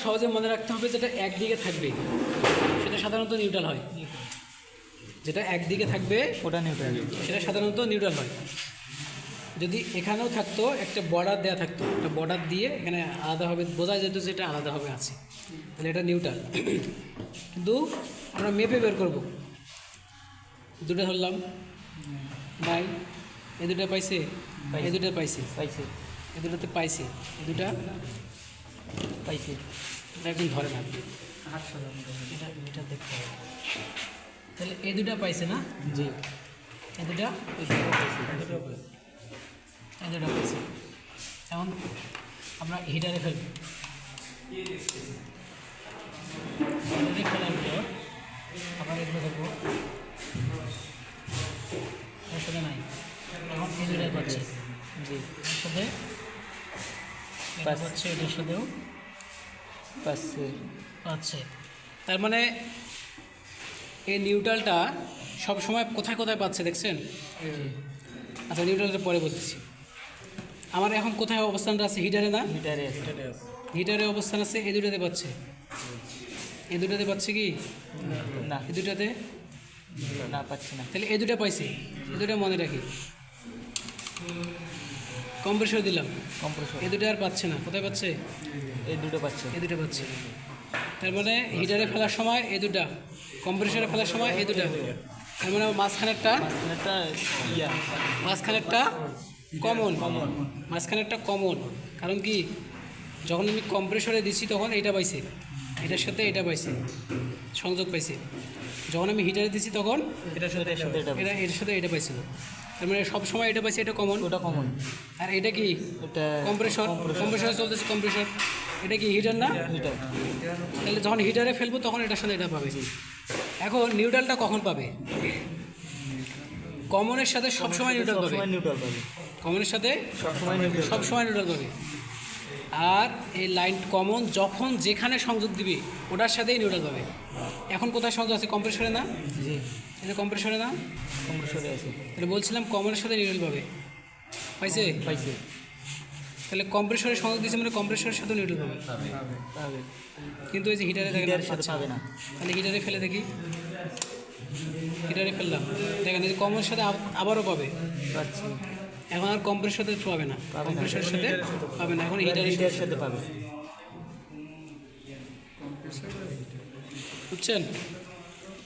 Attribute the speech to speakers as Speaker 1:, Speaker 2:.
Speaker 1: সহজে মনে রাখতে হবে, যেটা একদিকে থাকবে সেটা সাধারণত নিউট্রাল হয়। যেটা একদিকে থাকবে
Speaker 2: ওটা নিউট্রাল,
Speaker 1: সেটা সাধারণত নিউট্রাল হয়। যদি এখানেও থাকতো একটা বর্ডার দেওয়া থাকতো, একটা বর্ডার দিয়ে এখানে আলাদা হবে, বোঝা যেত যে এটা আলাদাভাবে আছে, তাহলে এটা নিউট্রাল। কিন্তু আমরা মেপে বের করব। দুটো ধরলাম, নাই এ দুটো পাইছে, এ দুটো পাইছে,
Speaker 2: পাইছে
Speaker 1: এ দুটোতে পাইছে, এ দুটা
Speaker 2: পাইছে।
Speaker 1: এটা একদম ধরে না, এটা এটা দেখতে হবে। তাহলে এ দুটা পাইছে না,
Speaker 2: জি,
Speaker 1: এ দুটা
Speaker 2: পাইছে।
Speaker 1: এই দুটো পাইছে। এখন আমরা হিটারে ফেলব। হিটারে ফেলার পর আবার এগুলো দেখবো, এর সাথে নাই। এখন এই দুটাই পাচ্ছে,
Speaker 2: জি,
Speaker 1: এর সাথে এটা পাচ্ছে, এটার সাথেও
Speaker 2: পাচ্ছে।
Speaker 1: পাচ্ছে। তার মানে এই নিউট্রালটা সবসময় কোথায় কোথায় পাচ্ছে দেখছেন? আচ্ছা, নিউট্রালটা পরে বলতেছি। আমার এখন কোথায় অবস্থানটা আছে? হিটারে না,
Speaker 2: মিটারে
Speaker 1: হিটারে অবস্থান আছে, এই দুটাতে পাচ্ছে। এই দুটাতে পাচ্ছে কি
Speaker 2: না,
Speaker 1: এই দুটাতে?
Speaker 2: না পাচ্ছে না।
Speaker 1: তাহলে এই দুটা পাইছে, এই দুটা মনে রাখি। কম্প্রেসর দিলাম,
Speaker 2: কম্প্রেসর
Speaker 1: এই দুটো আর পাচ্ছে না। কোথায় পাচ্ছে?
Speaker 2: এই দুটো পাচ্ছে।
Speaker 1: এই দুটো পাচ্ছে। তার মানে হিটারে ফেলার সময় এই দুটা, কম্প্রেসরে ফেলার সময় এই দুটা। তার মানে মাঝখানেরটা,
Speaker 2: একটা ইয়া
Speaker 1: মাঝখানেরটা কমন, মাঝখানেরটা কমন। কারণ কি, যখন আমি কম্প্রেসরে দিচ্ছি তখন এটা পাইছে, এটার সাথে এটা পাইছে, সংযোগ পাইছে। যখন আমি হিটারে দিচ্ছি তখন
Speaker 2: এটার সাথে এটা
Speaker 1: এটা এটার সাথে এটা পাইছিল। তার মানে সবসময় এটা পাইছে, এটা কমন।
Speaker 2: ওটা কমন।
Speaker 1: আর এটা কি?
Speaker 2: এটা
Speaker 1: কম্প্রেসর, কম্প্রেসরে চলতেছে কম্প্রেসর। এটা কি হিটার না?
Speaker 2: হিটার।
Speaker 1: তাহলে যখন হিটারে ফেলবো তখন এটার সাথে এটা পাবে। এখন নিউট্রালটা কখন পাবে? কমনের সাথে সবসময় নিউট্রাল পাবে,
Speaker 2: সবসময় নিউট্রাল পাবে,
Speaker 1: কমনের সাথে
Speaker 2: সবসময় নিউট্রাল।
Speaker 1: সবসময় নিউট্রাল পাবে। আর এই লাইন কমন যখন যেখানে সংযোগ দিবি ওটার সাথেই নিউট্রাল পাবে। এখন কোথায় সংযোগ আছে? কম্প্রেসরে না?
Speaker 2: জি,
Speaker 1: এটা কম্প্রেসরে না?
Speaker 2: কম্প্রেসরে আছে।
Speaker 1: তাহলে বলছিলাম কমনের সাথে নিউট্রাল পাবে, পাইছে?
Speaker 2: পাইছে।
Speaker 1: তাহলে কম্প্রেসরে সংযোগ দিয়েছে মানে কম্প্রেসরের সাথে নিউট্রাল পাবে।
Speaker 2: পাবে।
Speaker 1: কিন্তু এই যে হিটারে দেখেন
Speaker 2: হিটারের সাথে
Speaker 1: পাচ্ছে না।
Speaker 2: পাবে না।
Speaker 1: তাহলে হিটারে ফেলে দেখি, হিটারে ফেললাম, দেখেন এই যে কমনের সাথে আবারও পাবে।
Speaker 2: পাচ্ছি।
Speaker 1: এখন আর কম্প্রেসরের সাথে পাবে না, কম্প্রেসরের সাথে পাবে না, এখন হিটারের
Speaker 2: সাথে পাবে।
Speaker 1: বুঝছেন?